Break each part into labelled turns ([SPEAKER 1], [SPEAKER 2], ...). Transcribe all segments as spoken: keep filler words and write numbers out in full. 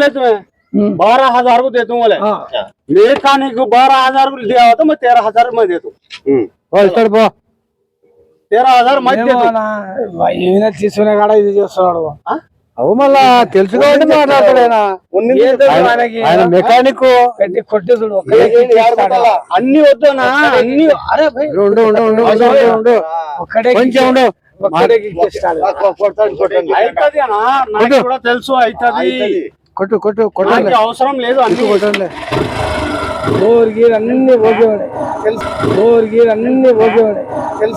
[SPEAKER 1] बोले तुम्हें बारह हजार को दे दूंगा। मेरे खाने को बारह हजार को दिया होता मैं तेरह हजार में दे दूं। तेरह हजार मत दे
[SPEAKER 2] ఈయన తీసుకునే కాడ ఇది చేస్తున్నాడు
[SPEAKER 3] అవు మళ్ళా తెలుసుకోండి మాట్లాడతాడేనా ఆయన మెకానిక్
[SPEAKER 2] పెట్టి కొట్టి చూడు
[SPEAKER 1] అన్ని వద్దనా అన్ని అరే
[SPEAKER 3] ఉండు ఉండు ఉండు ఉండు
[SPEAKER 2] ఒక్కడే
[SPEAKER 3] కొంచెం ఉండు
[SPEAKER 1] అవుతుంది అన్నా నాకు కూడా తెలుసు అవుతుంది
[SPEAKER 3] కొట్టు కొట్టు కొట్టు
[SPEAKER 1] అవసరం లేదు అన్ని
[SPEAKER 3] కొట్టండి
[SPEAKER 2] బోర్ గీర్ అన్ని ఓకేవాడే తెలుసు బోర్ గీర్ అన్ని ఓకేవాడే తెలుసు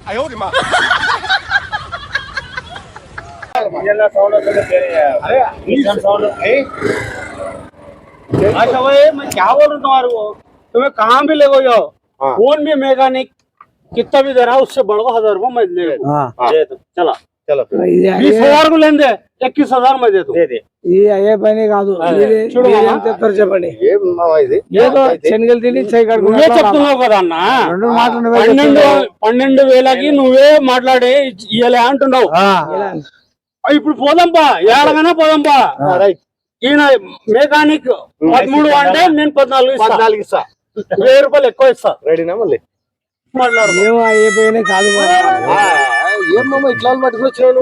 [SPEAKER 1] अच्छा भाई मैं क्या बोल रहा हूँ तुम्हारे को तुम्हें कहाँ भी ले गए हो कौन भी मैकेनिक कितना भी दे रहा है उससे बढ़ हजार रुपये मैं ले चला चलो बीस हजार को लेन दे इक्कीस हजार में दे दो
[SPEAKER 2] ఈ అయ్యే పని కాదు చెప్తారు చెప్పండి ఏదో శనగలు తిని
[SPEAKER 1] నువ్వే చెప్తున్నావు కదా అన్న పన్నెండు పన్నెండు వేలకి నువ్వే మాట్లాడి ఇయ్యలే అంటున్నావు ఇప్పుడు పోదాంపా ఏడగైనా పోదాంపా ఈయన మెకానిక్ పదమూడు అంటే నేను పద్నాలుగు పద్నాలుగు ఇస్తా వెయ్యి రూపాయలు ఎక్కువ ఇస్తా రెడీనా మళ్ళీ మాట్లాడు
[SPEAKER 2] ఏమో అయ్యే పని కాదు
[SPEAKER 1] ఏమమ్మా ఇట్లా పట్టుకొచ్చినాను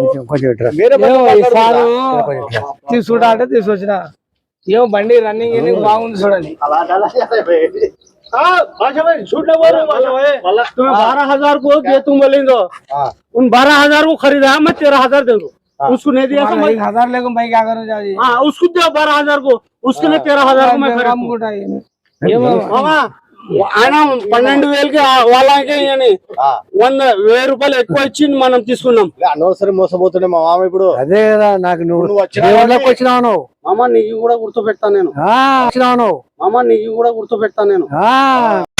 [SPEAKER 2] తీసుకుంటా అంటే తీసుకొచ్చిన ఏమో బండి రన్నింగ్ గిన్నింగ్ బాగుంది చూడండి
[SPEAKER 1] छूटने बोलो तुम्हें बारह हजार को दे तुम बोलेंगे उन बारह हजार को खरीदा मैं तेरह हजार दे दूँ उसको नहीं दिया
[SPEAKER 2] एक हजार लेकिन भाई क्या करो जाओ
[SPEAKER 1] हाँ उसको दिया बारह हजार को उसके लिए तेरह हजार को मैं ఆయన పన్నెండు వేలకి వాళ్ళకి వంద వెయ్యి రూపాయలు ఎక్కువ ఇచ్చి మనం తీసుకున్నాం
[SPEAKER 4] అనవసరం మోసపోతుండే మా మామ ఇప్పుడు
[SPEAKER 3] అదే కదా నాకు నువ్వు వచ్చినావు నువ్వు
[SPEAKER 1] మామ నీకు కూడా గుర్తు పెడతా నేను
[SPEAKER 3] వచ్చినావు నువ్వు
[SPEAKER 1] మామ నీకు కూడా గుర్తు పెడతా నేను